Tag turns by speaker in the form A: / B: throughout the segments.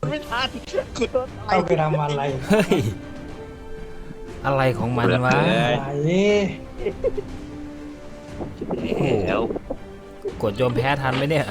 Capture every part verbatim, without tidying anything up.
A: ไม่ทันกูโดนต่อ
B: เข้าย ไปทำอะไร
C: เฮ้ยอะไรของมันวะ
B: อะไร
C: โอ้โห
A: แล้ว
C: กดโยมแพ้ทันไหมเนี่ย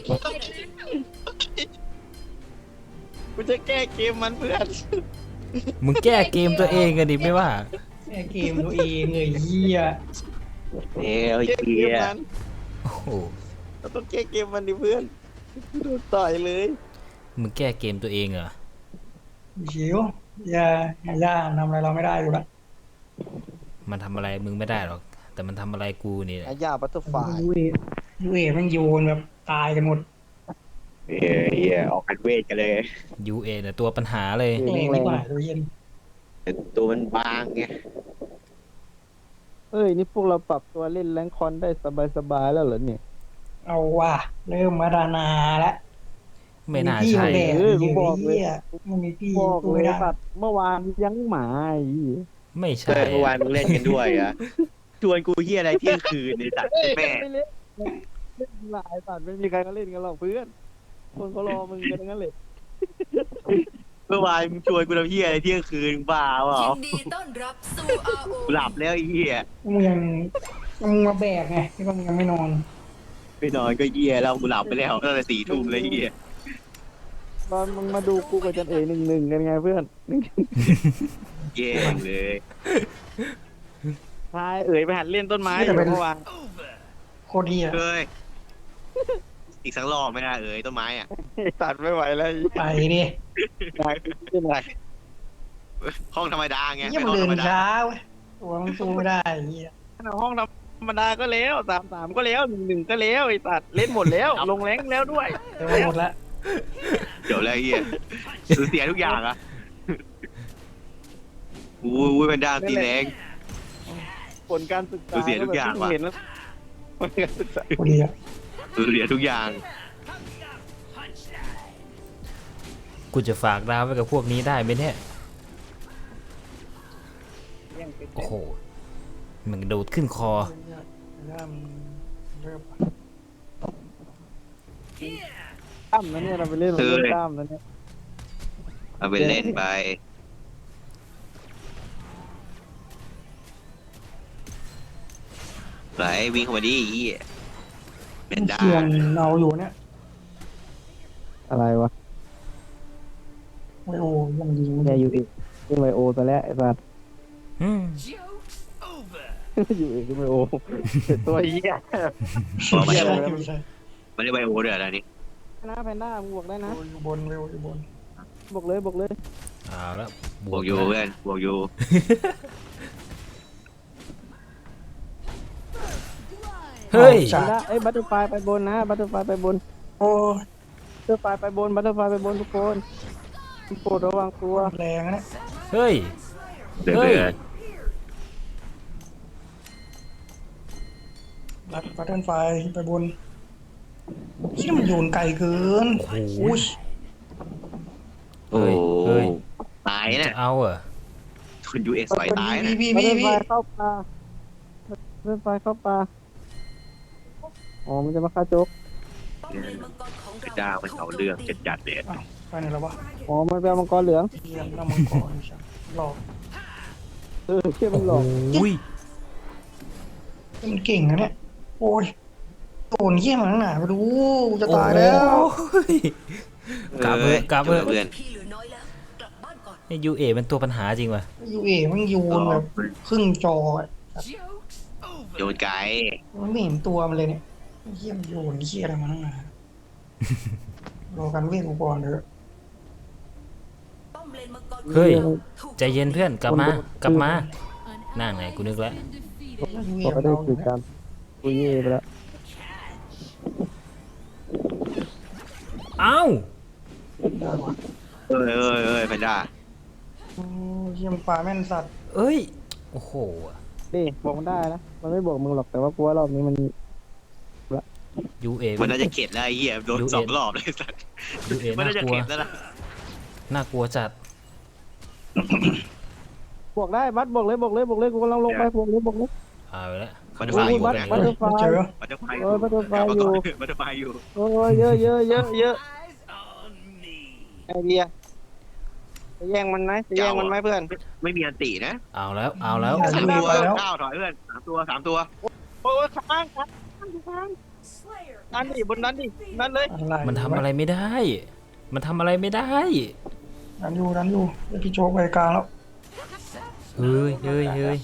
A: กูจะแก้เกมมันเพื่อน
C: มึงแก้เกมตัวเองกันดิไม่ว่า
B: แค่เกมตัวเองเลยเหี้ย
A: เอ้ยเกมมัน
C: โอ้โห
A: เราต้องแก้เกมมันดิเพื่อนกูโดนต่อยเลย
C: มึงแก้เกมตัวเองเหรอ
B: ชิวอย่าอย่าทำอะไรเราไม่ได้อยู่ละ
C: มันทำอะไรมึงไม่ได้หรอก แต่มันทำอะไรกูนี่แหละ
A: อาญาบัตเตอร์ไฟ
B: ยูเอยูเอมันโยนแบบตายกันหมด
A: เอ้ยออกกันเวทกันเลย
C: ยูเอเนี่ยตัวปัญหาเลย
B: แรงดีกว่าตัวเย็น
A: ตัวมันบางไง
D: เอ้ยนี่พวกเราปรับตัวเล่นแรงคอนได้สบายๆแล้วเหรอเนี่ย
B: เอาว่ะเริ่มมาดานาแล้ว
C: ไม่น่า
B: พี่
C: ใช่
B: แดด
D: เออกู
B: เย
D: บอกเลย
B: อะมันมีพี่
D: บอก
B: กู
D: เล
B: ไม่
D: ย
B: ได้
D: สัตว์เมื่อวานยังหมาไอ้เหี้ย
C: ไม่
A: เจ
C: ใช่
A: อเมื่อวานมึงเล่นกันด้วยอะชวนกูเฮียอะไรเที่ยงคืนในสัตว์แม่
D: ไม่เล่นเล่นหลายสัตว์ไม่มีใครเขาเล่นกันหรอกเพื่อนคนเขารอมึงกันทั้งนั้นเลย
A: เมื่อวานมึงชวนกูทำเฮียอะไรเที่ยงคืนบ้าเปล่า
E: ยินดีต้อนรับสู่ อาร์ โอ
A: กูหลับแล้วไอ้เฮีย
B: มึงยังมึงมาแบกไงที่ว่ามึงยังไม่นอน
A: ไปนอนก็เฮียแล้วกูหลับไปแล้วตั้งแต่สี่ทุ่มเลยเฮีย
D: ตอนมึงมาดูกูกับจันเอ๋หนึ่งหนึ่งกันไงเพื่อน
A: แย่เลย
D: ทายเอ๋ยไปหัดเล่นต้นไม้อยู่เมื่อวาน
B: โคตรเหี้ย
A: เฮ้ยอีกสักรอบไม่น่าเอ่ยต้นไม้อ่ะ
D: ตัดไม่ไหวแล้ว
B: ไปดิ
D: เป็นไร
A: ห้องธรรมดาไง
B: เหี้ย
A: เป็น
B: มัน
A: ห้อง
B: เดิ
A: ธรรมดา
B: นช้าเว้ยตัวมันสู้ไม่ได้เหี้ย
D: ห้องธรรมดาก็แล้วสามสามก็แล้วหนึ่งหนึ่งก็แล้วไอ้ตัดเล่นหมดแล้วลงแรงแล้วด้วย
B: เดี๋ยวมันหมดละ
A: เดี๋ยวแล้วไอ้เฮียสูญเสียทุกอย่างอ่ะอู้ยเป็นด้ามตีแรง
D: ผลการศึกษา
A: ดูเสียทุกอย่างว่ะ
D: เห็นแล้วผลการศึกษา
B: โคตรเหี้ย
A: สูญเสียทุกอย่าง
C: กูจะฝากดาวไว้กับพวกนี้ได้ไหมเนี่ย โอ้โห มันกระโดดขึ้นคอ
B: เริ่มเริ่ม
D: ตั้มนะเนี่ยเราไปเล่นเราเล่นตั้มนะเนี่ย
A: เอาไปเล่นไปไหนวิ่งเข้ามาดิไอ้เฮียเป็นด้า
B: เขียนเอาอยู่เนี่ย
D: อะไรวะ
B: ไอโอ้ยังยิง
D: แกอยู่อีกขึ้นไบโอซะแล้วไอ้สัตว์
C: อืม
D: อยู่อีกขึ้นไบโอตัวเหี้ย
A: บอกมา
B: ใช่
A: ได้
B: ใช่
A: ไม่ได้ไบโอเดือดอะไรนี่
D: นะแพนด้ามึงบวกได้นะ
B: อยู่บนเร็วอยู่บน
D: บวกเลยบวกเลย
C: เอาแล้ว
A: บวกอยู่
C: นะ
A: เพื่อนบวกอยู่
C: เฮ้ย
D: แพนด้าเอ้ยบัตเตอร์ไฟไปบนนะบัตเตอร์ไฟไปบน
B: โอ้
D: บัตเตอร์ไฟไปบนบัตเตอร์ไฟไปบนทุกคนทุกคนระวังตัว
B: แรงนะเนี่ย
C: เฮ้ย
A: เดือด
C: เฮ้ย
A: เดือด
B: รัดบัตเทิลไฟไปบนที่มันโยนไกลเกิน
C: โอ้โห
B: อุ้ย
A: โอ้
C: เฮ้ย
A: ตาย
C: จะ
A: นะ
C: เอาเหรอ
A: คนยูเอสสอยตายนะ
B: พี่
D: บัต
B: พี่
D: เตอร์ไฟ
B: พี่
D: เข้าปลาบัตเตอร์ไฟเข้าปลาอ๋อมันจะมาฆ่าโจ๊ก
E: ป้อมเลนมังกรของ
A: เป็น
E: เรา
A: ด้ามันเอาเรื่องจัดจัดๆเลย
B: อ้าวไปไหนแล้ววะ
D: อ๋อมันเป็นมังกรเหลือง
B: เยี่ยมน้ำมังกรใช่หลอก
D: เออเชื่อมันหลอก
C: อุ้ย
B: มันเก่งนะเนี่ยโอ้ยโดนเยี่ยมมันหนาไปดูจะตายแล้ว
C: โอ้ย กลับเถอะกลับเถอะ
A: เพื่อน
E: พี่เหลือน้อยแล้วกลับบ้านก่อน
C: ไอ้ยูเอเป็นตัวปัญหาจริงว่ะ
B: ยูเอมันโยนแบบครึ่งจออะ
A: โยนไกล
B: มันไม่เห็นตัวมันเลยเนี่ยเยี่ยมโยนเยี่ยอะไรมาตั้งนานรอกันเวทกูก่อนเถอะ
E: ป้อมเลนมังกร
C: เฮ้ย
E: ถูก
C: ใจเย็นเพื่อน กลับมา กลับมา นั่งไงกูนึกแล้ว
B: ยูเอ
D: บอก
B: มัน
D: ได้
B: เอาอ
D: คื
B: ยู่
D: อ
B: เนี่ย
D: การกูเย่ไปแล้ว
C: เอ้า
B: ได้ว่ะ
A: เอ้ยเอ้ยเอ้ยแพนด้า
B: โอ้ยเยี่ยมปลาแม่นสัตว์
C: เอ้ย โอ้โห
D: นี่บอกมันได้นะมันไม่บอกมึงหรอกแต่ว่ากูว่ารอบนี้มัน
C: ยูเอ
A: มันน่าจะเข็ดแล้วไอ้เหี้ยโดน
C: ยูเอ็น
A: สองรอบเลยสัตว์
C: ยูเอ
A: มัน
C: น่า
A: น่าจะ
C: กลัว
A: เข็ดแล้วนะ
C: น่ากลัวจัด
D: บอกได้บัตบอกเลยบอกเลยบอกเลยกูกำลังลงไปบอกเลยบอกเลย
C: เอาไปแล้ว
A: บัตเตอร์ไฟอยู่
D: บัต
A: แบงค์
D: บัตเตอร์ไฟ
B: ไม่เจอ
A: บัตเตอร์ไฟ
D: เออบัตเตอร์ไฟอยู่
A: บัตเตอร์ไฟอยู่
D: โอ้ยเยอะเยอะเยอะเยอะไอเดียจะแย่งมันไหมจะแย่งมันไหมเพื่อน
A: ไม่มีอันตินะ
C: เอาแล้วเอาแล้ว
A: สามตัวเก้าถอยเพื่อนสามตัวสามตัว
D: โอ้ยค้างค้างค้างนั่นดิบนนั้นดินั่นเลย
B: อะไร
C: มันทำอะไรไม่ได้ มันทำอะไรไม่ได้
B: ดันอยู่ดันอยู่เดี๋ยวพี่โจ๊กไปกลางแล้ว
C: เฮ้ยเฮ้ยเฮ้ย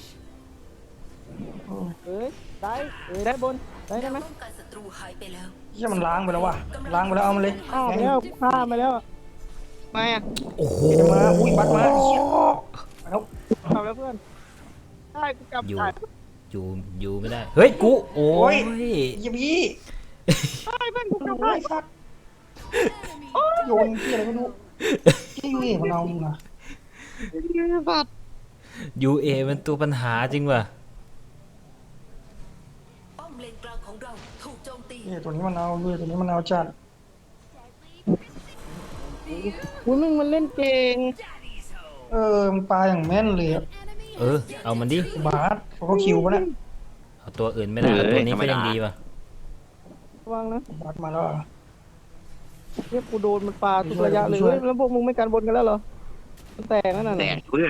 D: เอ้ยได้เอ้ยได้บนได้ได้ไหม
E: ป้องกันศัตรูหายไปแล้ว
B: เฮียมันล้างไปแล้วว่ะล้างไปแล้วเอามันเลย
D: อ้าวแล้วฆ่ามาแล้วไม่อะ
C: โอ้โห
B: เดี๋ยวมาอุ้ยบัตรมาเฮียไปแล้ว
D: กลับแล้วเพื่อนได้กูกลับ
C: อยู่
D: ได้
C: อยู่อยู่ไม่ได้ เฮ้ยกูโอ้ย
B: เฮียพี่
D: ได้เพื่อนกูกลับ
B: ไอ้
D: ได้
B: สัตว์โยนเฮียอะไรไม่รู้ที่ยูเอมันเอามึงนะ
D: สัตว์
C: ยูเอมันตัวปัญหาจริงว่ะ
E: ป้อมเลนกลางของเราถูกโจมตี
B: เฮียตัวนี้มันเอาเว้ยตัวนี้มันเอาจัด
D: อุ้ยมึงมันเล่นเก่ง
B: เออมันปลาอย่างแม่นเลยอะ
C: เออเอามันดิ
B: บาสเขาก็คิวปะเนี่ย
C: เอาตัวอื่นไม่ได้เอาตัวนี้ก็ยังดีว่ะ
D: ระวังนะ
B: บาสมาแล้วอะ
D: เรียกกูโดนมันปาทุกระยะเลยเว้ยแล้วพวกมึงไม่กันบนกันแล้วเหรอมันแตกนั่นน่ะ
A: แตกเพื่อน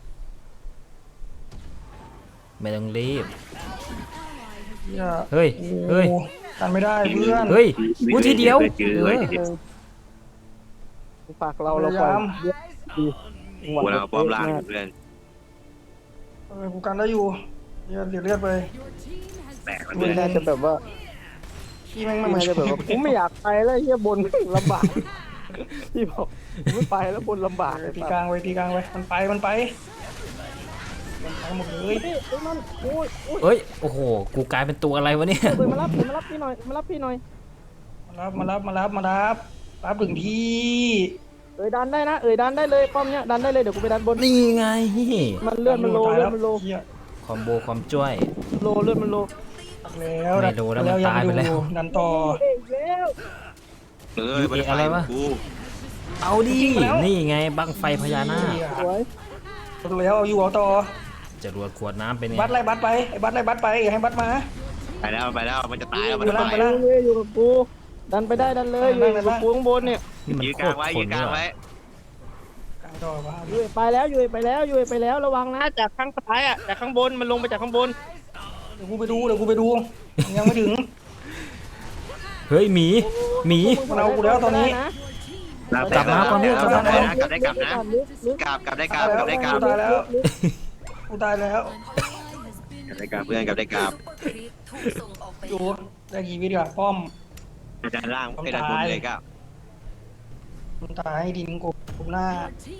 C: ไม่ต้องรีบ
B: เฮีย
C: เฮ้ยเฮ้ย
B: โอ้กันไม่ได้เพื่อน
C: เฮ้ยกูทีเดียว
A: เจอ
C: เอ
A: ไว้
C: อ
A: ทีเดียว
D: ฝากเราเราปล่อยเยอะดี
A: กูเราป้อมล่างอยู่เพื่อน
B: เออกูกันได้อยู่เฮียเดือดเลือดไป
A: แตก
D: มั
A: เพื่อน น
D: น่าจะแบบว่า
B: พี่แม่งไม่
D: มัน
B: มา
D: น่า
B: ช่
D: จะ
B: วย
D: แบบว่าผมไม่อยากไปแล้วเฮียบนลำบากพี่บอกผมไม่ไปแล้วบนลำบาก
B: ตีกลางไว้ตีกลางไว้มันไปมันไปมันไปหมดเลย
D: เฮ้ยเฮ้ยมันโอ้ยโอ้ย
C: เอ้ยโอ้โหกูกลายเป็นตัวอะไรวะเนี่ย
D: เฮ้ยมารับมารับพี่หน่อยมารับพี่หน่อย
B: มารับมารับมารับมารับรับถึงที่
D: เอ้ยดันได้นะเอ้ยดันได้เลยป้อมเนี้ยดันได้เลยเดี๋ยวกูไปดันบน
C: นี่ไง
D: มันเลื่อนมันโล
B: ตาย
D: เลื่
B: แล้
D: อ
B: วน
D: มันโล
B: เฮีย
C: คอมโบความจ้วย
D: โลเลื่อนมันโล
B: แล้ว
C: ไม่รู้แล้วมัน
B: ยั
C: ตายไปแล้ว
B: ดันต่อ
D: เอ้ยแล้ว
A: เออมันอะไรวะกู
C: เอาดินี่ไงบังไฟพญานาค
D: สวย
B: แล้วเอาอยู่เอาต่อ
C: จรวดขวดน้ำเป็นไง
B: บัตรไล่บัตรไปไอ้บัตรไล่บัตรไปอย่าให้บัตรมา
A: ไปแล้วไปแล้วมันจะตายแล้วมัน
B: อยู่
A: จะ
B: ล่าง
A: ตาย
B: ไปล่าง
D: เอ้ยอยู่กับกูดันไปได้ดันเลยอยู่กับกูข้างบนเนี่ย
C: นี่มัน
A: ยืน
C: โค
A: กลา
C: ต
A: ง
C: ร
A: ไว้
C: ค
A: ยื
C: น
A: นก
C: ด้
A: ลาง
C: วย
A: ไว้
B: กลางต่อมา
D: อยู่ไปแล้วอยู่ไปแล้วอยู่ไปแล้วระวังนะจากข้างซ้ายอ่ะจากข้างบนมันลงไปจากข้างบน
B: เดี๋ยวกูไปดูเดี๋ยวกูไปดูยังไม่ถึง
C: เฮ้ยหมีหมี
B: มันเอากูแล้วตอนนี้
C: กลับมาก่อนเนี่ยกลับมาก่อน
A: กลับได้กลับนะกลับกลับได้กลับกลับได้กลับ
B: กูตายแล้วกูตายแล้ว
A: กลับได้กลับเพื่อนกลับได้กลับ
E: คลิปถูกส่งออกไป
B: ดูได้กี่วิดีโอป้อม
A: ด้านล่างไอ้ด้านบนเลยก็
B: มันตายให้ดินกบกบหน้า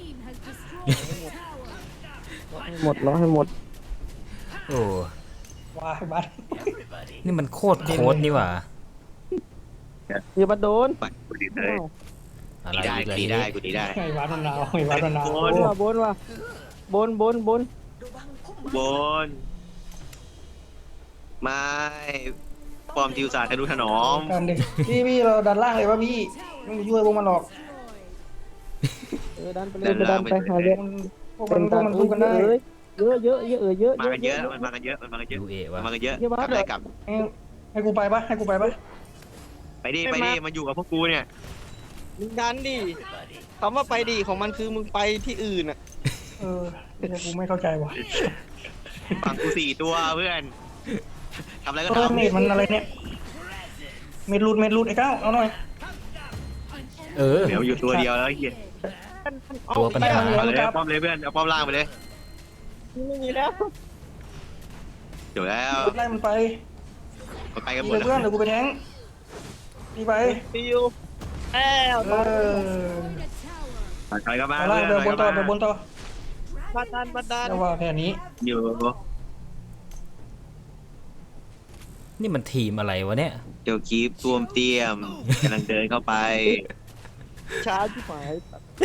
D: หมดแล้วให้หมด
C: โอ้
B: วายบัตร
C: นี่มันโคตรโคตรนี่หว่า
D: อย่ามาโดน
A: ไปกูดีเลย
C: อะไร
A: ดีได้
C: อีก
A: กู
C: ล่ะ
A: ดี
C: ที
A: ได้
C: นี้
A: กูดีได้
B: ไอ้บัตรมันหนาวไอ้บัตรมันหนาว
A: โอ้
D: บนว่ะบนว่ะบนบนบน
A: บนไม่ปอมทิวศาสตร์ทะนุถนอม
B: กันดิพี่พี่เราดันล่างเลยวะพี่ไม่ไปช่วยพวกมันหรอก
D: เออดันไปเลยไปดันไปหาเยอะ
B: พวกมันพวกมันสู้กันได้
D: เยอะเยอะเยอะเออเยอะ
A: มากันเยอะมันมากันเยอะมันมากันเยอะ
C: ยูเอ
A: มัน
C: วะ
A: มากันเยอะกลับได้กลับ
B: ให้ให้กูไปปะให้กูไปปะ
A: ไปดิไปดิมันอยู่กับพวกกูเนี่ย
D: มึงดันดิคำว่าไปดิของมันคือมึงไปที่อื่นอ่ะ
B: เออเนี่ยกูไม่เข้าใจว่ะ
A: ฝั่งกูสี่ตัวเพื่อนทำอะไรก็
B: เออ
A: ทำ
B: เมดมันอะไรเนี่ยเมดรูดเมดรูดไอ้ก้าวเอาหน่อย
C: เออ
A: เดี๋ยวอยู่ตัวเดียวแล้วไอ้เหี้ย
C: ตัวปัญหา
A: เอาเลยป้อมเลยเพื่อนเอาป้อมล่างไปเลย
D: ไม่มีแล้ว
A: เดี๋ยวแล้ว
B: ไล่มันไป
A: มันไปกันหม
B: ดี
A: ด
B: เลย
A: แล้ว
B: เพื่อนเดี๋ยวกูไปแทงดีไป
D: ฟิวแอ้ว
B: เออ
A: ไปกันมา
B: เอาล่างเดี๋ยวบนต่อเดี๋ยวบนต่อ
D: บัดดันบัดดัน
B: เดี๋ยวว่าแผนนี้
A: อยู่
C: นี่มันทีมอะไรวะเนี่ย
A: เดี๋ยวคีบตัวมเตี้ยมกำลังเดินเข้าไป
D: ช้าที่หมาย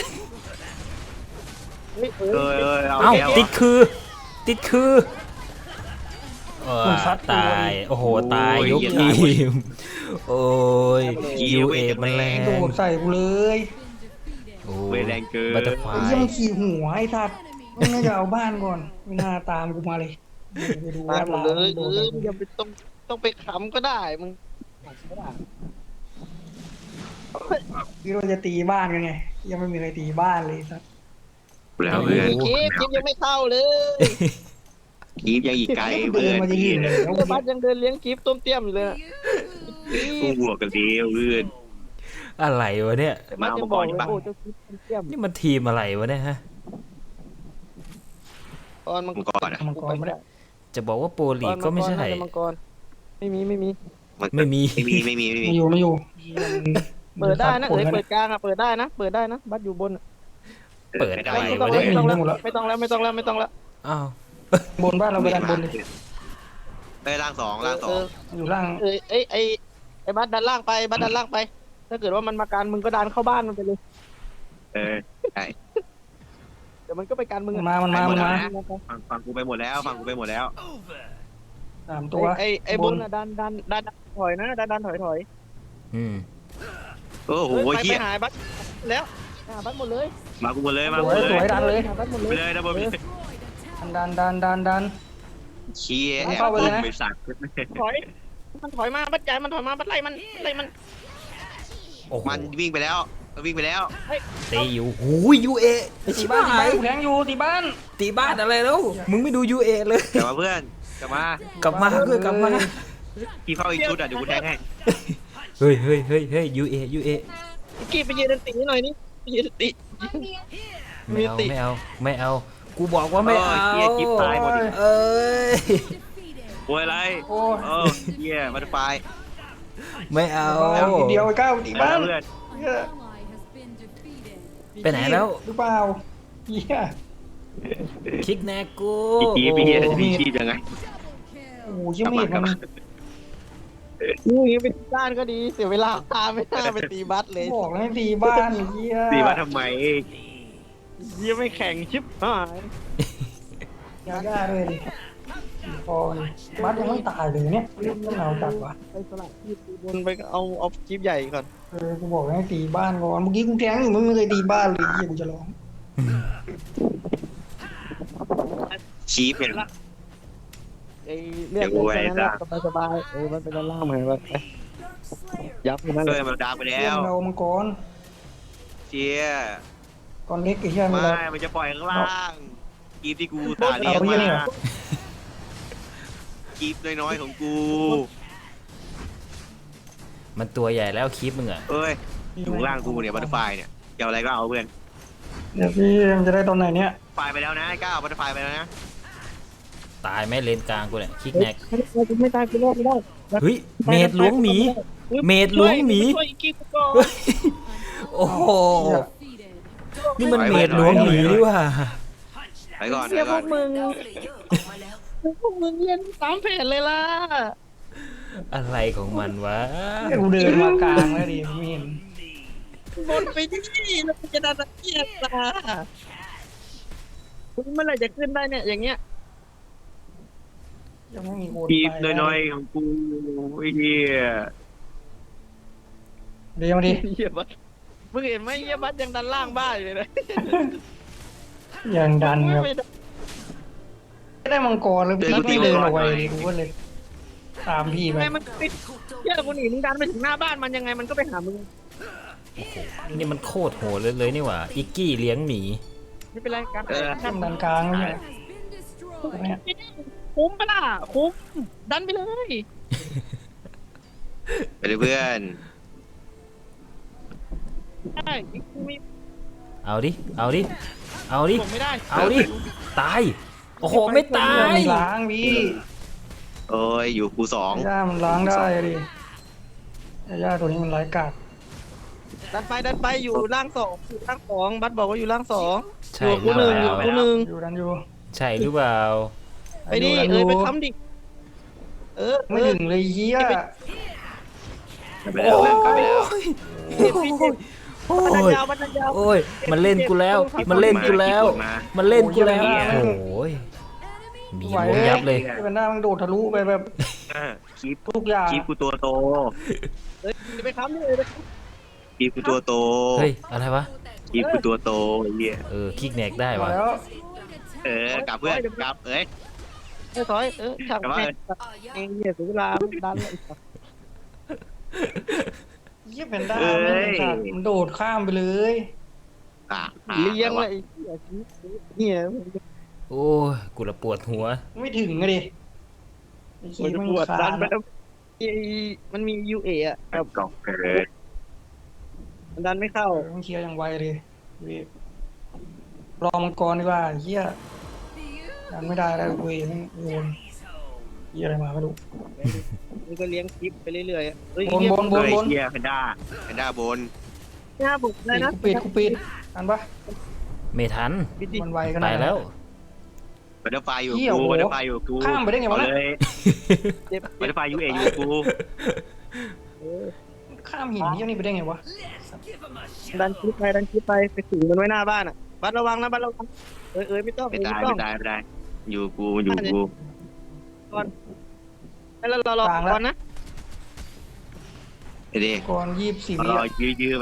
D: เฮ้ยเอ
A: เอ้ย
D: อ
A: เอ้ยเอา
C: เอ้า
A: แก้ว
C: ติดคือ ติดคือเออตายโอ้โหตายยกทีมโอ้ยยูเอมันแรง
B: โดดใส่กูเลย
C: โอ้
A: เวรแรงเกิน
C: บัตเตอร์ฟลา
B: ไอ้
C: ย
B: เหี้ยังขี่หัวไอ้ทัดไม่น่าจะเอาบ้านก่อนไม่น่าตามกูมาเลยไปดู
D: ตายหมดเลยเอ
B: โด
D: อ
B: ด
D: มึงอย่าไปต้องต้องไปขำก็ได้มึง
B: คิดว่าจะตีบ้านกันไงยังไม่มีใครตีบ้านเลยสัก
A: แล้วเพื่อน
D: คลิปคลิปยังไม่เข้าเลย
A: คีบยังอีกไกล
B: เดิ
A: เพื่อน น
B: มาจะยิงเลยแล้ว
D: เจ้าบัสยังเดินเลี้ยงคลิปต้มเตี้ยมอยู่เลยอะ
A: กูบวกกันเดียวเพื่อน
C: อะไรวะเนี่ย
D: บัสยังบอกเลยโอ้เจ้าคลิปต้มเตี้ยม
C: นี่มันทีมอะไรวะเนี่ยฮะ
D: ตอนมัง
A: มัง
D: ก
A: ก
D: ร
A: รอ่ะ
B: มังกรไม่ได้
C: จะบอกว่าโปรลีกก็ไม่ใช่
D: ตอนมังกรไม่มีไม่มี
C: ไม่มี
A: ไม่มีไม่มีไม่มี
B: ไม่อยู่ไม่อยู่
D: เปิดได้นะเอ้ยเปิดกลางอะเปิดได้นะเปิดได้นะบัสอยู่บนอะ
C: เปิดอะไร
D: ไม่ต้อง
C: วะ
D: แล้ว
C: เนี่ย
D: ไม่ต้องแล้วไม่ต้องแล้วไม่ต้องแล้วไม่ต้องแล้ว
C: อ้าว
B: บนบ้านเราไปด้านบนเลย
A: ได้ล่างสองล่างสอ
D: เอง อ
B: อยู่ล่าง
D: เออไอ้ไอ้ไอ้บัสดันล่างไปบัสดันล่างไป ถ้าเกิดว่ามันมาการมึงก็ดันเข้าบ้านมันไปเลย
A: เออใช่
D: เดี๋ยวมันก็ไปการมึงอะ
B: มามันมามันมา
A: ฟังฟังกูไปหมดแล้วฟังกูไปหมดแล้ว
B: สามตัว
D: ไอ้ไอ้บนอะดันดันดันดันถอยนะดันดันถอยถอย
C: อืม
A: โอ้โห
D: เฮ้ยไป
A: เฮี
D: ไป
A: ย
D: หายบัสแล้วหาบัสหมดเลย
A: มากูหมดเลยมา
B: ส
A: กู
B: วย
A: หมด
B: ส
A: เล
B: วย
A: ย
B: ดันเลย
D: หาบัสหมดเล
A: ไป
D: ย
A: เลยนะบอล
B: ดันดันดันดัน
A: เชียร์
B: เข้าไปเลยนะ
A: ไปสัตว์
D: ถอย มันถอยมาบัสใหญ่มันถอยมาบัสไล่มันไล่มัน
C: โอ้โห
A: มันวิ่งไปแล้วมันวิ่งไปแล้ว
C: ตีอยู่หูยยูเอ
B: ตีบ้านตีบ้านแทงอยู่ตีบ้าน
C: ตีบ้านอะไรแล้วมึงไม่ดูยูเอเลย
A: กลับมาเพื่อนกลับมาก
C: ลับมาเพื่อนกลับมา
A: พี่เข้าอีกชุดอ่ะเดี๋ยวกูแทงให้
C: เฮ้ยเฮ้ยเฮ้ยเฮ้ยยูเอยูเอ
D: กี้ไปยืนตีหน่อยนี่ไปยืนตี
C: ไม่เอาไม่เอาไม่เอา กูบอกว่าไม่เอา
A: เฮียกิ๊บตายหมดอีก
C: เอ้ย
A: โวยอะไร
B: โอ้ย
A: เออเฮียมันไฟ
C: ไม่เอา
B: ทีเดียวไอ้ก้าวตีบ้าน
A: เพื่อน
C: ไปไหนแล้ว
B: หรือเปล่าเฮีย
C: คิกแนกกู
A: อีกทีพี่เฮียจะมีชีพยังไง
B: โอ้โหยังไม่เห็นมัน
D: นี่เป็นด้านก็ดีเสียเวลาตามไม่น่าไปตีบัสเลย
B: บอกแล้วให้ตีบ้านเฮีย
A: ตีมาทำไม
D: ยี่ไม่แข่งชิปหาย
B: ยาย่าเลยดิพอเลยบ้านยังไม่ตายเลยเนี่ยเรื่องเราจัดวะ
D: ไปสลับที่ตีบนไปเอาเอาคลิปใหญ่ก่อน
B: เออกูบอกให้ตีบ้านก่อนเมื่อกี้กูแทงอยู่มึงไม่เคยตีบ้านเลยเฮียกูจะร้อง
A: ชีพเนี่ย
D: ไอ้เรื่องแค่นั้นสบายสบายเออมันเป็นด้านล่างเหมือนกันยับมัน
A: เอ
D: เล
A: อย มันดาวไป
B: เฮี
A: แล้
B: ยว เรามังกร
A: เชีย
B: ก่อนเล็กไอ้เฮียไม่
A: ไม่
B: รอ
A: มันจะปล่อยข้างล่างกีบที่กูตาเลี้ยง
B: เอาเหี้ยนี่
A: มา
B: เหรอ
A: กีบน้อยๆของกู
C: มันตัวใหญ่แล้วคลิปมึงอ่ะ
A: เอ้ยอยู่ข้างล่างกูเนี่ยบัตเตอร์ไฟเนี่ยจะเอาอะไรก็เอาเพื่อน
B: เดี๋ยวพี่มันจะได้ตอนไหนเนี่ย
A: ไฟไปแล้วนะไอ้ก้าวบัตเตอร์ไฟไปแล้วนะ
C: ตายไหมเลนกลางกูเนี่ยคิกแนก
D: ไม่ตายกูรอดไม่ได้
C: เฮ้ยเมดหลวงหมี เมดหลวงหมี
D: ช่วยอีกกี่ก่อน
C: เฮ้ยโอ้โห
B: เหี้ย
C: นี่มันเมดหลวงหมีนี่ว่า
A: ไปก่อน
D: เสี
A: ไป
D: ยพ
A: ก่อ
D: วน กมึง
E: ดาวเพลเยอร์ออกมาแล้ว
D: พวกมึงเล่นตามแผนเลยล่ะ
C: อะไรของมันวะ
B: กูเดินมากลางแล้วดิไม่เห็น
D: บนไปที่แล้วมันจะดันเกียร์ตาคุณเมื่อไหร่จะขึ้นได้เนี่ยอย่างเงี้ย
B: ยังไม่มีคน
A: กีบ
B: ไป
A: น้อยๆของกูไอ้เหี้ย
B: เดี๋ยวมาดิ
D: เหี้ยบัสมึงเห็นไหมเหี้ยบัสยังดันล่างบ้านอยู่เลยนะ
B: ยังดันครับ
D: ไม่ได้
B: ไม่ได้มังกรเลยพี่ไม่เดินเอาไว้เลยกูก็เลยตามพี่ไป
D: ไม่มันติด
E: ถูกโจม
D: เหี้ยกูหนีมึงดันไปถึงหน้าบ้านมันยังไงมันก็ไปหามึง
C: นี่มันโคตรโหดเลยเลยนี่หว่าอิกกี้เลี้ยงหมี
D: ไม่เป็นไรกัน
B: ข้ามดันกลางไม่ใช่เนี่ย
D: คุ้มปะล่ะคุ้มดันไปเลย
A: ไปเลยเพื่อน
D: ได้กูมี
C: เอาดิ เอาดิ เอาดิ
D: ผมไม่ได้
C: เอาดิ ตาย โอ้โห ไม่ตาย
B: มันล้างพี่
A: โอ้ยอยู่กูสอง
B: ย่ามันล้างได้ดิย่าตัวนี้มันร้ายกาจ
D: ดันไปดันไปอยู่ล่างสองอยู่ล่างสองบัสบอกว่าอยู่ล่างสอง
C: ใช่
D: อยู่
C: หรื
D: กู
C: อ
D: ห
C: เป
D: นึ่งอยู่
C: ล่า
D: กูหนึ่ง
B: อยู่ดันอยู่
C: ใช่หรือเปล่า
D: ไปดิ
B: ดัน
D: เอ้ยไป
B: ยู่
D: ค้ำดิเออ
B: ไม่ถึงเลยเฮีย
A: ไปแล้วเพื่อนกลับไปแล้ว
D: เจ็บพี่เจ็บ
C: โอ้
D: บัน
C: ย
D: ยาวบันยาว
C: โอ้ย มันเล่นกูแล้ว มันเล่นกูแล้ว มันเล่นกูแล้ว โอ้ยหมีล้วงยับเลย
B: เป็นหน้ามันโดดทะลุไปแบบ
A: อ่ะคีบ
B: ทุกอย่าง
A: คีบกูตัวโต
D: เอ้ยไปค้ำดิเลย
A: คีบกูตัวโต
C: เฮ้ย อะไรวะ
A: คีบกูตัวโตไอ้เหี้ย
C: เออ คิกแนกได้
B: มาว
C: ะ
B: แล้ว
A: เออกลับเพื่อนกลับเอ้ย
D: เออถอยเออฉากแม่เองเนี่ยถึงเวลาดันเลย
B: เฮียเป็นด้ามันโดดข้ามไปเลย
A: อ่ะอ่ะ
D: เลี้ยงเลยไอ้เหี้ย
C: โอ้ยกูละปวดหัว
B: ไม่ถึงอะดิไอ้คี
D: มันจะ
B: มัน
D: ปวด
B: ขา
D: ดั
B: ด
D: นไปแล้วไอ้มันมียูเออะ
A: แบบกองเกิด
D: มันดันไม่เข้า
B: ต้องเคลียร์อย่างไวเลยเว้ยรอมังกรดีกว่าเฮียดันไม่ได้แล้วเว้ยแม่งโยนเฮียอะไรมาไม่รู้
D: มันก็เลี้ยงคลิปไปเรื่อยๆอะเฮ้ย
B: บน
D: เหี้ย
B: บนบน
A: เฮ้ย
B: บน
A: เฮียแพนด้าแพนด้าบน
D: หน้าบุกเลยนะ
B: กูปิดกูปิดทันปะ
C: ไม่ทัน
D: ปิดดิ
B: มันไวขนาด
C: ตายแล้ว
A: บัตเตอร์ไฟอยู่
B: เหี้ย
A: กู
B: โอ้โห
A: บัตเตอร์ไฟอยู่กู
B: ข้ามไปได้ไงวะ
A: เอา
B: น่ะ
A: เลย
D: เจ็บ
A: บัตเตอร์ไฟยูเออยู่กู
D: เออ
B: ข้ามหินเฮียนี่ไปได้ไงวะ
D: ดันคลิปไปดันคลิปไปไปถึงมันไว้หน้าบ้านอ่ะบัดระวังนะบัดระวังเอ้ยเอ้ยไม่ต้อง
A: ไม่
D: ไม่
A: ตาย
D: ต้อ
A: ไม่
D: ง
A: ตายไม่ตายอยู่กูอยู่กู
D: แล้วเรารอก่อนนะ
A: ไอ้เด็ก
B: ก่อนยี่สิบสี่วิ
A: รอ
B: อะ
A: ยื้อยื้อๆไป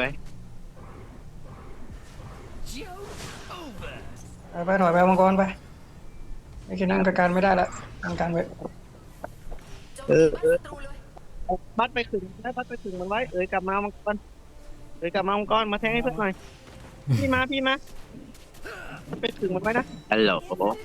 B: ไปไปถอยไปมังกรไปไอ้แค่นี้มันจัดการไม่ได้ละทำการไว้
E: โจมตีบ้านศัตรูเลย
D: บัดไปถึงได้บัดไปถึงมันไว้เอ้ยกลับมามังกรเอ้ยกลับมามังกรมาแทงให้เพื่อนหน่อยพี่มาพี่มาไปถึงมันไว้นะ
A: ฮัลโหล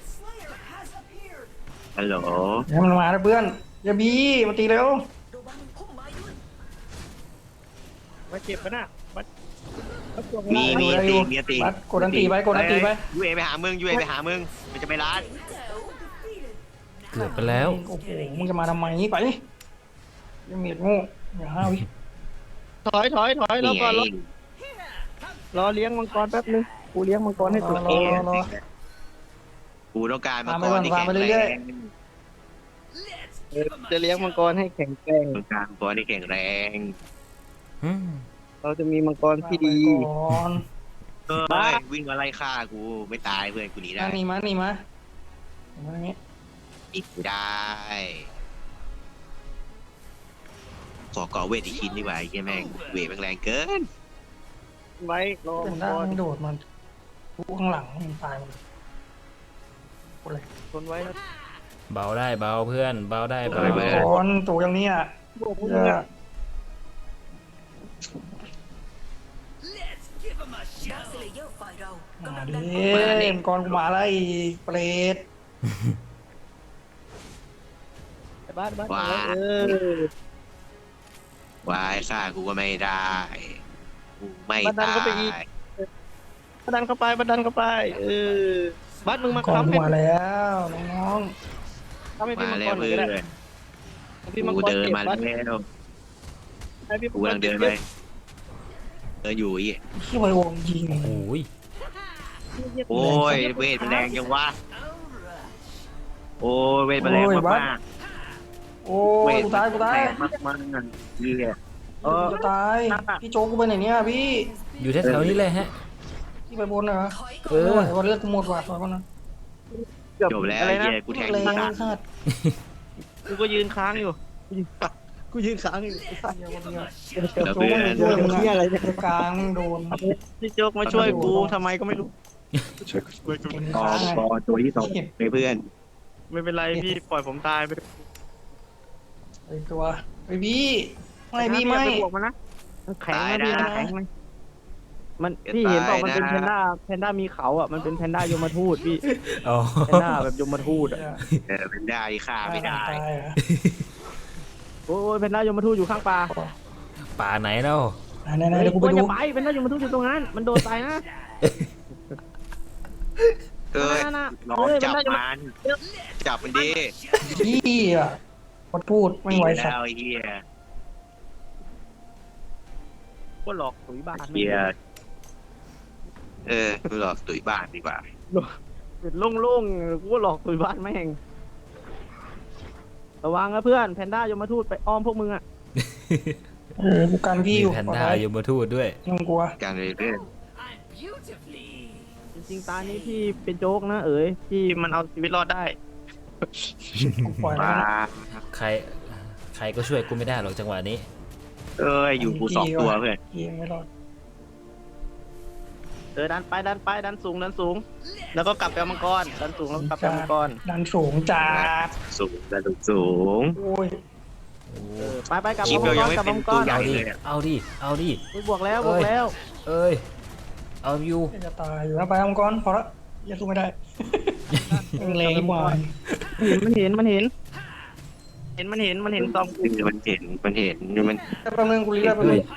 A: ฮัลโหล
B: เดี๋ยวมันมาแล้วเพื่อนอย่าบีมาตีเร็ว
E: ระวังพุ่มไม้ด้วย
D: มาเจ็บปะน่ะบัดบัดตัว
A: มี
D: ข้างล่าง
A: มีตีมีตี
B: บัดกดอันตีไปกดอันตีไป
A: ยูเอไปหามึงยูเอไปหามึงมันจะไปร้าน
E: แจ๋ว
C: เกือบไปแล้ว
B: โอ้โหมึงจะมาทำไมไปยังเมียดโง่อย่าห้าววิ
D: ถอยถอยถอยรอ
A: นี่ไง
D: ก่อนรอรอเลี้ยงมังกรแป๊บนึงกูเลี้ยงมังกรให้สุด
B: รอรอรอ
A: กูต้องการมา
B: ตามไป
A: ก่อน
B: ก่อน
A: ที่
B: ตาม
A: แข็ง
B: ไป
A: แร
B: เรื่อย
A: ง
D: เออจะเลี้ยงมังกรให้แข็งแกร่ง
A: ต้องการก่อนที่แข็งแรง
C: อืม
D: เราจะมีมังกรที่ดี
B: ก่อน
A: เอ้ยวิ่งมาไล่ฆ่ากูไม่ตายเพื่อนกูหนีได้
B: มานี่มานี่มามาอย่างงี้
A: อีกไม่ได้ขอก่อเวทอีกชิ้นดีกว่าไอ้เหี้ยแม่งเวทแม่งแรงเกิน
D: ไว้รอ
B: เป็น
D: มัง
B: ด้าก
D: ร
B: นโดดมันทุกข้างหลังมันตายหมดเลยโอะไร
D: ทนไว้นะ
C: เบาได้เบาเพื่อน เบาได้เบา
B: ก่อนตัวอย่างเนี้ย
D: บวกพวก
B: เอ
D: มึง
B: อ
D: อะ
E: ดาร์คสเลเยอร์ฝ่ายเรา
B: มาก
E: ำลัง
B: ดิ
E: ดันเข้ามา
B: เอ็มก่อนกูมาแล้วไอ้เปรต
D: ไอ้บ้านบ้าน
A: ว้า
D: เออ
A: วายฆ่ากูก็ไม่ได้กูไม่
D: บัดดัน
A: ตา
D: เข้าไปอีก
A: ย
D: บัดดันเข้าไปบัดดันเข้าไป เออบ้านมึงมา
B: ก่อน
D: ค้ำ
B: กู
D: ให้
B: มาแล้วน้อง
D: ค้ำให้พี่
A: มา
D: มัง
A: แล้
D: ก
A: ว
D: รหน่อย
A: เพื่
D: ก็
A: อ
D: ได้
A: น
D: พี่มัง
A: กู
D: กร
A: เดิน
D: เจ็บ
A: มา
D: บัด
A: แล้ว
D: ให้พี่
A: กู
D: มังกร
A: กำลังเดินไปเดินอยู่อีก
B: ๆที่ไววงยิง
C: โอ้ย
A: โอ้ยเวทมันแรงจังวะโอ้ยเวทมันแรงมากมาก
B: โอ้
A: เวย ท
B: กูตายกูตาย
A: แรงมากมากเหี้ย
B: เออจะตายพี่โจ๊กกูไปไหนเนี่ยพี่
C: อยู่แถวๆนี้เลยฮะ
B: พี่ไปบนเหรอ
E: ถอย
C: เอ
E: ก่อน
C: อ
B: วันเลือดกูหมดว่ะถอยก่อนนะ
D: เกือบ
A: จบแล้ว
D: อะไร
A: ไอ้
D: นะ
A: เหี้ยกูแทง
B: แร
A: มึ
B: ง
A: ง
B: สัตว์
D: กูก็ยืนค้างอยู่กูยืนค้างอยู่
B: เดี๋ยวคนเดียว
A: แล้ว
B: โจ๊ก
A: เพื่อ
B: มัน
A: น
B: ช่วยมึง
D: เหี้ยอะไร
B: อะ
D: เนี่ย
B: กลางโดน
D: พี่โจ๊กมาช่วยกูทำไมก็ไม่รู้
B: เห็น
A: ต่อ
B: ค้างไง
A: ต่อตัวที่สองไปเพื่อน
D: ไม่เป็นไรพี่ปล่อยผมตายไป
B: ไอตัวไอพี่ไม่พี่ไม่
D: บวกมันนะมันแข็งนะพี่มันแข็งไหมมันพี่เห็นบอกมันเป็นแพนด้าแพนด้ามีเขาอ่ะมันเป็นแพนด้ายมทูตพี่
C: อ๋อ
D: แพนด้าแบบยมทูตอ่ะ
A: เออเป็นได้ฆ่าไม่ได้
B: ตายเหรอ
D: โอ้ยแพนด้ายมทูตอยู่ข้างป่า
C: ป่าไหนเล่า
B: ไหนไหนๆเดี๋ยวกูไปดู
D: จะไปแพนด้ายมทูตอยู่ตรงนั้นมันโดนตายนะ
A: เอ้ย
D: นั่นน่ะ
A: น้อง
D: เอ้ย
A: จับ
D: มันได้
A: มันจับมันดี
B: พี่อ่ะพอพูดไม่ไหวสัต
A: แล้
B: ว์
A: วไอ้เหี้ย
D: ก็หลอกถุยบ้าน
A: เหี้ยเออกูหลอกตุ๋ยบ้านดีกว่า
D: เป็นโล่งๆกูก็หลอกถุยบ้านแม่งระวังนะเพื่อนแพนด้ายมทูตไปอ้อมพวกมึงอ่ะ
B: เออกูกันพี่
C: มี
B: อยู่
C: แพนด้ายมทูตด้วย
B: ไม่ต้องกลัว
A: การเลยเพื่อน
D: จริงๆตานี้พี่เป็นโจ๊กนะเอ๋ยพี่มันเอาชีวิตรอดได้
B: กูปล่อยแล้ว
A: มา
B: นะ
C: ใคร ใครก็ช่วยกูไม่ได้หรอกจังหวะนี้
A: เอ้ยอยู่กูสองตัวเพื่อน
B: พี่ยังไม่รอด
D: เออดันไปดันไปดันสูงดันสูง แล้วก็กลับไปเอามังกรดันสูงแล้วกลับไปเอามังกร
B: ดันสูงจัด
A: สูงระดับสูง
B: โอ้ย
D: เออไปไปกลับ
A: คลิป
D: มามั
A: เรา
D: งก
A: ยัง
D: ร
A: ไม่
D: กลับ
A: เป็
D: มาน มังก
A: ตัว
D: ร
A: ใหญ่
C: เอาดิ
A: เลยอะ
C: เอาดิ เอาดิ
D: อุ๊ยบวกแล้วบวกแล้ว
C: เอ้ยเอาอยู่
B: จะตายอยู่แล้วไปมังกรพอละอย่าสู้ไม่ได้แรงกว่า
D: เห็นมันเห็นมันเห็น เห็นมันเห็นมันเห็นตอม
A: มันเห็นมันเห็นมัน
B: แป๊บนึงกูรีบแป๊บนึง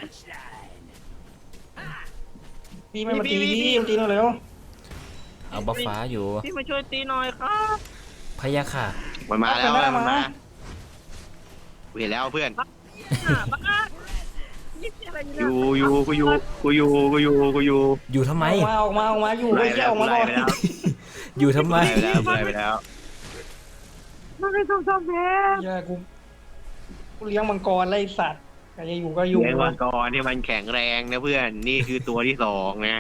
B: พี่ไม่มาตีพี่มาตีเราเร็ว
C: เอาบัฟฟ้าอยู่
D: พี่มาช่วยตีหน่อยครับ
C: พยาค่ะ
A: มันมาแล้วมันมากูเห็นแล้วเพื่อน
D: บ้าบ้านี่อะไร
A: อ
D: เนี่ย
A: ยู่อยู่กูอยู่กูอยู่กูอยู่กูอยู่
C: อยู่ทำไม
B: ออกมาออกมาออกมาอยู่
A: ไล่
B: ไม่
A: ไป
B: ใช่
A: แล้ว
B: ออกมา
A: ไล่
B: ก่อน
A: ไปแล้ว
C: อยู่ทำไม
A: ไล่ไปแล้วไล่ไปแล้ว
D: มันไม่ต้องทำแพ้
B: เหี้ยกูกูเลี้ยงมังกรไล่สัตว์ใครจะอยู่ก็อยู่
A: เลี้ยงมังกรที่มันแข็งแรงนะเพื่อนนี่คือตัวที่สองนะ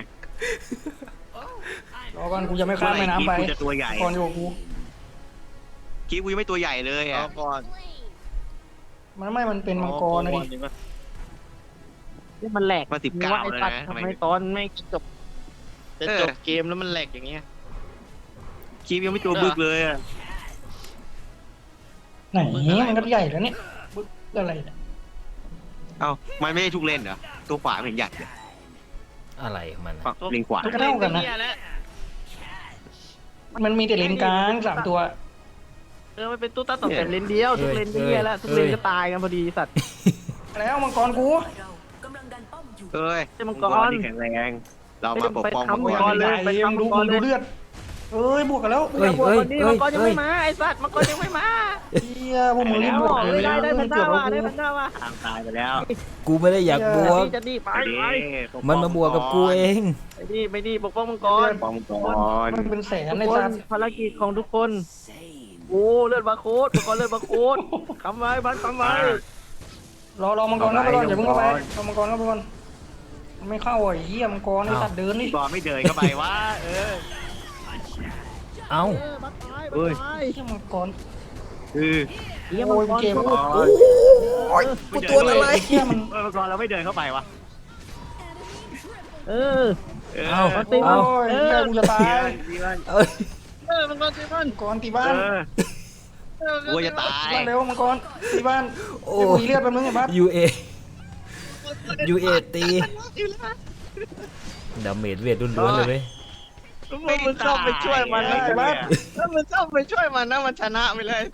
B: รอก่อนกูจะไม่ข้ามแม่น้ำไป
A: กูจะตัวใหญ่
B: ก่อนอยู่กับกู
A: คิดกูยังไม่ตัวใหญ่เลยอ่ะ
D: ก่อน
B: มันไม่มันเป็นมังกรนะดิ
D: นี่มันแหลก
A: มาสิบเก้า
D: ว่าไอ้
A: เลย
D: ตัด
A: นะ
D: ทำไมตอนไม่จบจะจบเกมแล้วมันแหลกอย่างเงี้ย
A: คิดยังไม่ตัวบึกเลยอ่ะ
B: ไหนมันก็ใหญ่แล้วเนี่ยบึ๊กอะไรเนี่ย
A: เอ้ามันไม่ได้ทุกเลนเหรอตัวขวาเห็นใหญ่เลย
C: อะไรของมัน
A: ฝั่งเลนขวา
B: ก็เท่ากันนะมันมีแต่เลนกลางสามตัว
D: เออมันเป็นตู้ตั้งแต่เลนเดียวทุกเลนเดียวแล้วทุกเลนก็ตายกันพอดีสัตว์
B: แล้วมังกรกู
E: ฝ่ายเรากำลังดันป้อมอยู่
A: เอ้ย
D: เป็นมังกร
A: ที่แข็งแรงเรามาปกป้องมัง
B: โอ้ย
A: ก
D: มั
A: ร
D: งกรเลย
B: ไปยังดูมึงดูเลือดเอ้ยบวกกันแล้ว
C: เฮ้ย
D: บวก
C: เฮ้ย
D: คนนี้
C: เฮ้
D: มั
C: ย
D: งกรยัง
C: เฮ้ย
D: ไม่มาไอ้สัตว์มังกรยังไม่มา
B: เฮียพวกมึงรีบบวกเลย
D: ได้ได้แพนด้า
B: เกิด
D: ว่ะ
B: เรา
D: ได้
B: กู
D: แพนด้าว่ะ
A: ทางตายไปแล้ว
C: กูไม่ได้อยากบวก
D: จะดีไป
A: ไปดิ
D: ไป
A: ปกป้อง
C: มันมาบวกกับกูเอง
D: ไปดีไปดีปกป้องมังกร
A: ปกป้องมังกร
B: มันเป็นแสน
D: ทุก
B: ใน
D: ค
B: สั
D: น
B: ตว์
D: ภารกิจของทุกคนโอ้เลือดบาโคดมังกรเลือดบาโคดคำไว้บ้านคำไว้
B: รอรอมังกรเข้าไปก่อนอย่าเพิ่งเข้าไปรอมังกรเข้าไปก่อนมันไม่เข้าอ่ะไอ้เฮียมังกรไอ้สัตว์เดินนี่
A: บอลไม่เดินเข้าไปวะเออ
C: เอ้า
D: เออบัตตาย
A: เฮ้ย
D: บัตตาย
B: เฮียมังกร
A: คือ
D: เยี่ยมมังกร
B: โอ้ยเกม
A: บอล
C: โอ้ยกูตัวอะไร
B: ไอ้เฮียมัน
A: เออมังกรเราไม่เดินเข้าไปวะ
D: เออ
A: เออ
C: เอ้า
B: โอ้
C: เอ้าย
B: เฮียกูจะตาย
A: ดีมัน
C: เอ้ย
D: เออมังกรตีมัน
B: มังกรตี
A: เอ
B: บ้าน
A: อกูจะตาย
B: บ้านเร็วมังกรตีบ้าน
C: โอ้
B: เดี๋ยวกูมีเลือดแป๊บนึงไอ้บัส
C: ยูเอยูเอตีดาเมจเวทล้วนๆเลยเว้ย
D: มึงมันชอบไปช่วยมันนะไอ้บ้าถ้ามันชอบไปช่วยมันนะมันชนะไปเลย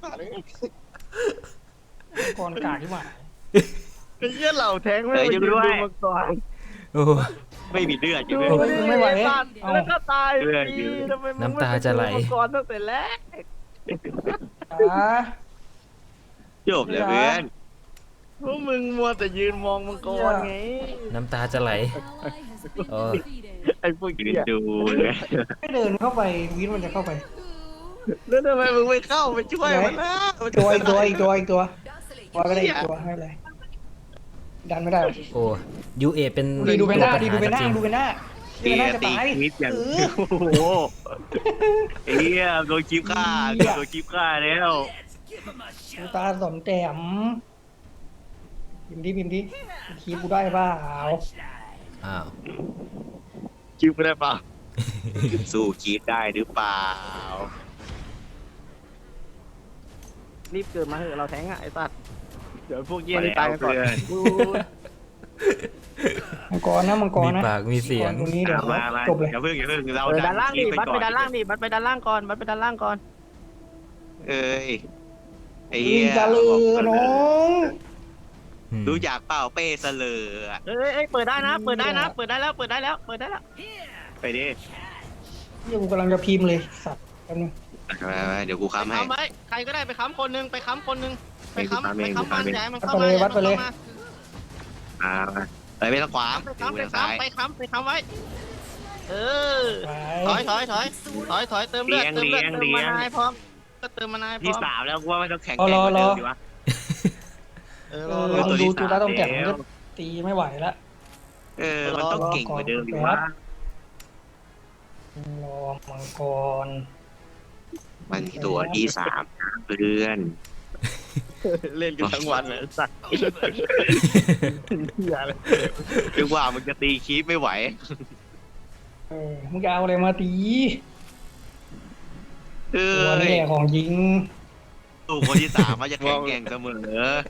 B: มังกรกากที่หว่า
D: ไอ้เหี้ยเหล่าแทงไม่ไปยืนดูมังกร
C: โอ้
A: ไม่มีเลือดอยู่
D: ดู
A: เลย
B: กูไม่ไหว
D: แล้วก็ตาย
A: เออ
D: ดีทำไมมึง
C: น้ำตาจะไหล
D: มังกรตั้งแต่แรก
B: อ่า
A: จบเลยเพื่อน
D: พวกมึงมัวแต่ยืนมองมังกรไง
C: น้ำตาจะไหลเออ
D: ไอ้พวก
A: ยืน
D: เหี้ย
A: ดูเลย
B: ไม่เดินเข้าไปวินมันจะเข้าไป
D: แล้วทำไมมึงไม่เข้าไปช่วยมันนะมัน
B: ตัวอีกตัวอีกตัวอีกตัว
E: ดาร์คสเลเย
B: ตัว
E: อร์
B: ก็ได้อีกตัวไม่เป็นไรดันไม่ได้
C: โอ้ยูเอเป็น
B: ดีดูเป็นหน้าดีดู
C: ตัว
B: เป็นหน้า
C: ปัญ
B: ดูเป็นหน้าดู
A: ตี
B: เป็นหน้าจะ
A: ตี
B: ตาย
A: คลิปอย่าง
B: เอ
A: โอ้
B: อ
A: โหไอ้เหี้ยโดนคลิปฆ่าโดนคลิปฆ่าแล้ว
B: ดูตาสมแต้มพิมพ์ดิพิมพ์ดิคีบกูได้เปล่า
C: อ้าว
A: คลิปไม่ได้เปล่าสู้คลิปได้หรือเปล่า
D: รีบเกิดมาเถอะเราแทงอ่ะไอ้สัตว์เดี๋ยวพวกเหี้ยนี่ตายกันก่อน
B: มังกรนะมังกร
C: มี
B: นะ
C: ปากมีเสียง
B: ตรงนี้เดี๋ยว
A: มามา
B: จบเลย
A: อย่าเพิ่งอย่าเพิ่งเรา
D: เออด้านล่างดิ
A: คลิป
D: บัดไป
A: ก่อ
D: ด้านล่างดิบัดไปด้านล่างก่อนบัดไปด้านล่างก่อน
A: เอ้ยไอ้
B: อี
A: เหี้ย
B: กาลือน้อง
A: รู้จักเปล่าเป้เสลออะ
D: เอ้ยเอ้ยเปิดได้นะ เปิดได้นะ เปิดได้แล้ว เปิดได้แล้ว เปิดได้แล้ว
A: ไปดิ
B: เดี๋ยวกูกำลังจะพิมพ์เลยสัตว์แป๊บนึง
A: มามาเดี๋ยวกู
D: ไป
A: ค้ำให้
D: ค้ำไว้ใครก็ได้ไปค้ำคนหนึงไปค้ำคนหนึงไปค้ำ
A: เอ
D: ไป
A: ง
D: ค้ำมัน
A: เอง
D: ย้ายมัน
B: วัด
D: เข้า
B: ไป
D: มา
B: เลยวัดไปเลย
A: มามาไปไม่ต้องขวาง
D: ไป
A: ดู
D: ค้ำไป
A: ทางซ้าย
D: ค้ำไปค้ำไปค้ำไว้ เออ
B: ไป
D: ถอยถอยถอยถอยถอยเติมเลือดเติมเลือดเติมมานายพร้อมก็เติมมานายพร้
A: ที่
D: อม
A: สามแล้วกูว่าไม่ต้องแข่งแข่งกว่าเดิมดีวะ
D: เออ
B: เอ
D: รอ
B: อ
D: ร
B: ล
D: อ
B: องดูจูตาต้องแก่มันก็ตีไม่ไหวละ
A: เออมันต้องเก่งกว่าเดิมดีวะ
B: รอมังกร
A: มันตัวที่สามนะเพื่อน
D: เล่นกันทั้งวันเลยสัตว์เหี้ยเลย
A: คือว่ามันจะตีคีปไม่ไหว
B: เออมึงจะเอาอะไรมาตี
A: เอ
B: ตัว
A: อ
B: นี่แหละของยิง
A: ตัวคนที่สามมันจะแข็งแกร่งเสมอ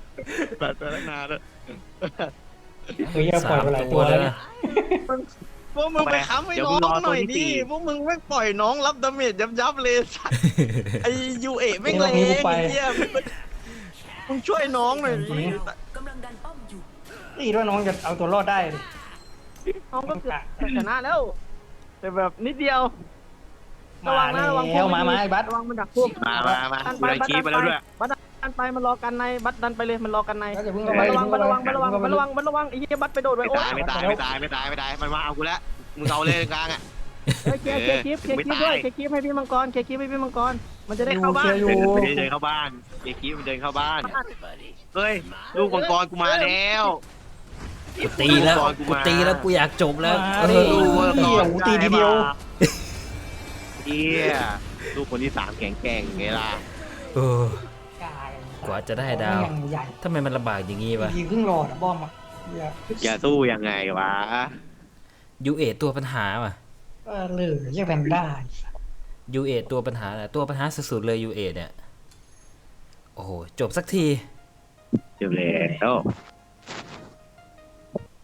D: แบบตัวนักนาด้วย
B: เฮ้ยปล่อยไปหลายตัวแล้วเนี่ย
D: มึพวกมึงไปค้ำให้น้องหน่อยดิพวกมึงไม่ปล่อยน้องรับดาเมจยับยับๆเลยสัตว์ไอยูเอไม่งเลงเฮียมึงช่วยน้องหน่อยดิ
E: กำลังดันป้อมอยู่
B: นี่ด้วยน้องจะเอาตัวรอดได้ดิ
D: น้องก็เกือบชนะแล้ว แต่แบบนิดเดียว
B: มาแล้วมามาไอ้บัส
D: ระวังมันดักพวก
A: มามามา
D: ดัน
A: กู
D: ไป
A: ได้
D: บัต
A: คีบไปแล้วด้วย
D: บัตดันไปมันรอกันในบัตดันไปเลยมันรอกันใน
B: บัสอย่าเพิ่งเข้าไป
D: ระวัง
B: อย่า
D: ระวัง
B: เพิ่ง
D: ระวัง
B: เข้าไป
D: ระวังระวังไอ้เหี้ยบัตไปโดดไป
A: ไม่
D: โอ้
A: ตายไม่ตายไม่ตายไม่ตายไม่ตายมันมาเอากูแล้วมึงเอาเลยกลางอ่ะ
D: เฮ้ยเคลียร์เคลียร์คลิปเคลียร์คลิปด้วยเคลียร์คลิปให้พี่มังกรเคลียร์คลิปให้พี่มังกรมันจะได้เข้าบ้าน
B: อยู่
A: เดินเดินเข้าบ้านเด็กคีบมันเดินเข้าบ้านเฮ้ยลูกมังกรกูมาแล้ว
C: กูตีแล้วกูตีแล้วกูอยากจบแล้ว
B: มา
C: เอ
B: ดิ
C: อ
B: เหี้ยหูตีทีเดียว
A: เฮียลูกคนที่สามแข็งแกร่งไงล่ะ
C: เออกว่าจะได้ดาว
B: ใหญ่
C: ทำไมมันลำบากอย่างงี้วะ
B: ยิงครึ่งหลอดอะบอมอะเหี้ย
A: จะสู้ยังไงวะ
C: ยูเอตัวปัญหาว่ะ
B: เออเลยเรียกแพนด้า
C: ยูเอตัวปัญหาแหละตัวปัญหาสุดๆเลยยูเอเนี่ยโอ้โหจบสักที
A: จบแล้ว